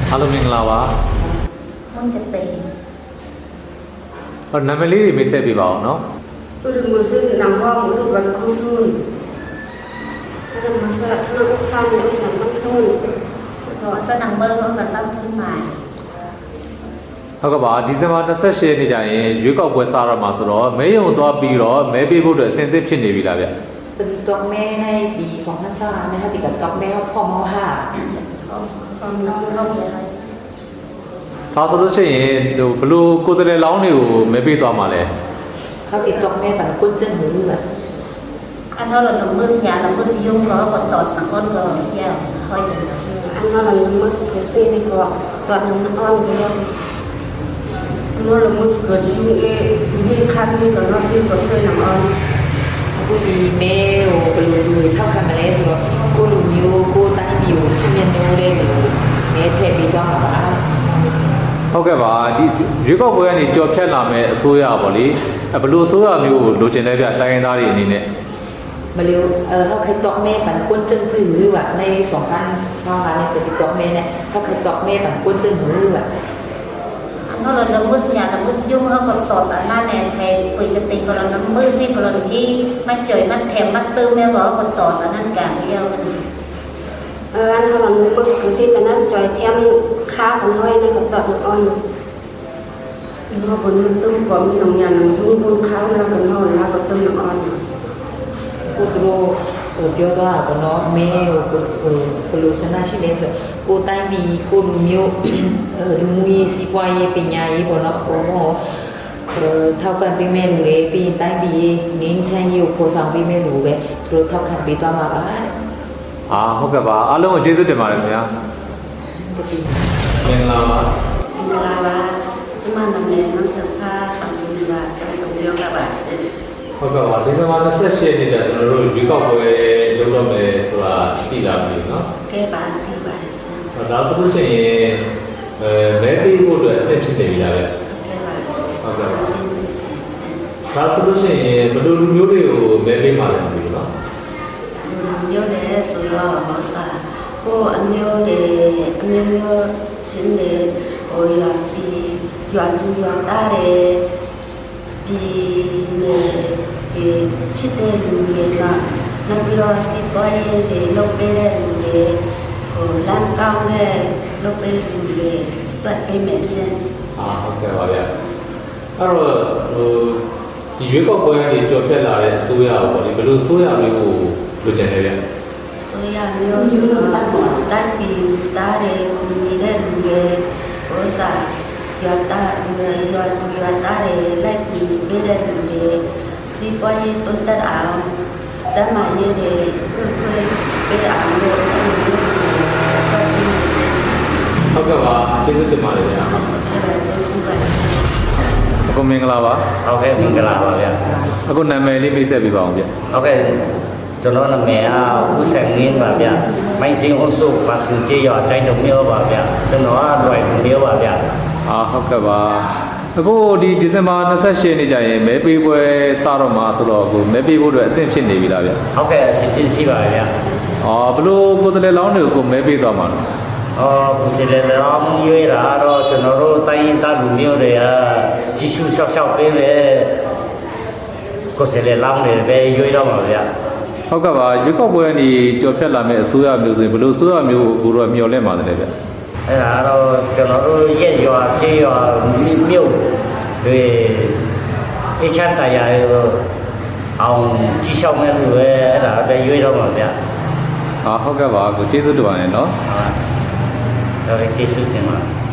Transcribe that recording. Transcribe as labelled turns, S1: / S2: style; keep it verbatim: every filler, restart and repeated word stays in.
S1: အားလုံးမင်္ဂလာပါ
S2: မင်္ဂလာ
S1: ဟောနာမည်လေးတွေမိတ်ဆက်ပြပါအောင်နော်
S3: သူတို့မျိုးစုနံပါတ်မှုတို့ကခုစုံအဲ့ဒါမှဆက်နောက်ခံလို့ကျွန်တော်ဆုံး
S2: တော့စနံပါတ်တော့ပတ်သက်ขึ้นมา
S1: ဟုတ်ကဲ့ပါဒီဇင်ဘာ၂၈ရက်နေ့ကျရင်ရွေးကောက်ပွဲစားရမှာဆိုတော့မဲယုံသွားပြီးတော့မဲပေးဖို့အတွက်အဆင်သင့်ဖြစ်နေပြီလားဗျ
S4: ตื่นตัวแม่ในปีสองพันสามนะคะติดกับตัวแม่พ่อมห้า
S2: ความน้องเขามีอะไร
S1: ဒါဆိုလို့ရှိရင်ဟိုဘလို့ကိုယ်စလဲလောင်းတွေကိုမဲပေးသွားမှာလဲ
S4: เขาติดตัวแม่แบบกุ้นเจิ้นหรือแบบ
S2: อันนั้นเราลงมือหยาลงมือยุ่งก็กดตอดนักอ้อนก็แย่ค่อยถึง
S3: อันนั้นเราลงมือเคสตี้นี่ก็ตอดน้ำอ้อนก็ยังเราลงมือเกิดยุ่งเองที่คันนี่ก็รอบที่ก็ช่วยน้ำอ้อน
S4: กูดีแม่โอ้ไปดูดูเท่ากันมาแล้วสิว่ากูรู้มิวกูตั้งมิวชิเมนโนได้หรือแม่เทปีตัวมา
S1: ဟုတ်ကဲ့ပါဒီရွေးကောက်ပွဲကနေကြော်ဖြတ်လာမဲ့အစိုးရပေါ့လေဘလို့အစိုးရမျိုးကိုလိုချင်တဲ့ဗျတိုင်းရင်းသားတွေအနေနဲ့
S4: มาเร็วเออเขาเคยตอกแม่ปั่นกุ้นเจิ้นซื่อหรือว่าในสองพันสองพันเนี่ยติดตอกแม่เนี่ยเขาเคยตอกแม่ปั่นกุ้นเจิ้นหรือว่า
S2: อันนั้นเราลงมือหยาลงมือยุ่งเขากดตอดแต่หน้าแนนแทนปุยกติกเราลงมือที่กรณีที่มันจ่อยมันแถมมันตื้มแม่บอกกดตอดแต่นั่นการเดียวกัน
S3: เอออันเขาลงมือคือสิเป็นนั้นจ่อยเทียมค่ากันห้อยในกับตอดน้ำอ้อนเขาบนมันตื้มก่อนมีน้ำยาหนึ่งทุ่งทุ่งข้าวแล้วกันห้อยแล้วก็ตื้มน้ำอ้อน
S4: กูรู้เออပြောတော့ကနော်မဲကိုကိုလိုစနာရှိနေဆိုကိုတိုင်းပြီးကိုလူမျိုးလူမှုရေးစီးပွားရေးပညာရေးပေါ့နော်ဟိုဟောထောက်ပံ့ပေးမဲ့လူတွေပြီးတိုင်းပြီးငင်းချမ်းရေးကိုပေါ်ဆောင်ပေးမဲ့လူပဲသူတို့ထောက်ခံပေးသွားမှာပါတဲ့
S1: အာဟုတ်ကဲ့ပါအားလုံးကိုကျေးဇူးတင်ပါတယ်ခင်ဗျာမင်္ဂလာပါ
S3: မင်္ဂလာပါဒီမှာနာမည်နမ်ဆဖာဆန်ဆူလာတဲ့တုံပြောတာပါ
S1: ဟုတ်ကဲ့ပါဒီဇင်ဘာ၂၈ရက်နေ့ကျကျွန်တော်တို့ရွေးကောက်ပွဲလုပ်တော့မယ်ဆိုတာသိလာပြီနော်
S3: ကဲပါသိပါတယ်ဆရာ
S1: ဒါဆိုလို့ရှိရင်အဲမဲပေးဖို့အတွက်အဖြစ်ဖြစ်နေပြီလားဗျ
S3: ကဲပါ
S1: ဟုတ်ကဲ့ဒါဆိုလို့ရှိရင်ဘယ်လိုလူမျိုးတွေကိုမဲပေးမှာလဲမသိဘူးနော်
S3: မျိုးလေဆိုတော့ဟောစားကိုအမျိုးတွေအမျိုးမျိုးချင်းတွေဟိုရပြီးရွာလူရွာသားတွေပြီးပြီးချစ်တဲ့လူတွေကနောက်ပြီးတော့စီပွားရေးတွေလုပ်ပေးတဲ့လူတွေဟိုလမ်းကောင်းတဲ့လုပ်ပေးလူတွေပတ်ပေးမယ်ရှင်
S1: အာဟုတ်ကဲ့ပါဗျအဲ့တော့ဟိုဒီရွေးကောက်ပွဲကနေကြော်ပြက်လာတဲ့အစိုးရပေါ့လေဘယ်လိုအစိုးရမျိုးကိုလိုချင်လဲဗျ
S3: ဆိုရမျိုးဆိုတော့တိုင်းပြည်သားတွေကိုနေတဲ့လူတွေဟိုစားရွာသားရွာရွာရွာသားတွေလိုက်ပြီးပေးတဲ့လူတွေစီပွားရေးတိုးတက်အောင်တမန်ရေးတွေဖွင့်ဖွင့်ပေးအောင်လို့
S1: ဟုတ်ကဲ့ပါကျေးဇူးတင်ပါတယ်ဗျာ
S3: ကျေးဇူးပါ
S1: အခုမင်္ဂလာပါ
S5: ဟုတ်ကဲ့မင်္ဂလာပါဗျာ
S1: အခုနာမည်လေးမိတ်ဆက်ပြပါအောင်ဗျ
S5: ဟုတ်ကဲ့ကျွန်တော်နာမည်ကဦးစံငင်းပါဗျာမိုင်းစင်းအုပ်စုပါစုကျေးရွာကျိုင်းတို့မျိုးပါဗျာကျွန်တော်ကလွယ်မျိုးပါဗျာ
S1: အာဟုတ်ကဲ့ပါအခုဒီဒီဇင်ဘာ၂၈ရက်နေ့ကျရင်မဲပေးပွဲစတော့မှာဆိုတော့အခုမဲပေးဖို့အတွက်အသင့်ဖြစ်နေပြီလားဗျ
S5: ဟုတ်ကဲ့အစီအစဉ်ရှိပါဗျာ
S1: အော်ဘလို့ကိုယ်စလဲလောင်းတွေကိုမဲပေးသွားမှာနော်
S5: အော်ကိုယ်စလဲလောင်းရွေးတာတော့ကျွန်တော်တို့တိုင်းရင်းသားလူမျိုးတွေကကြီးစုရှောက်ရှောက်ပေးပဲကိုယ်စလဲလောင်းတွေပဲရွေးတော့မှာဗျာ
S1: ဟုတ်ကဲ့ပါရွေးကောက်ပွဲကနေကြော်ဖြတ်လာမဲ့အစိုးရမျိုးဆိုရင်ဘလို့အစိုးရမျိုးကိုတော့မျှော်လင့်ပါတယ်ဗျ
S5: အဲ့ဒါတော့ကျွန်တော်တို့ရဲ့ရွာကျေးရွာမြို့တွေအချမ်းတရားရောအောင်ကြီးရှောက်မဲ့လူပဲအဲ့ဒါပဲရွေးတော့မှာဗျာ
S1: ဟာဟုတ်ကဲ့ပါကိုကျေးဇူးတင်ပါတယ်နော်
S5: ဟုတ်ကျေးဇူးတင်ပါ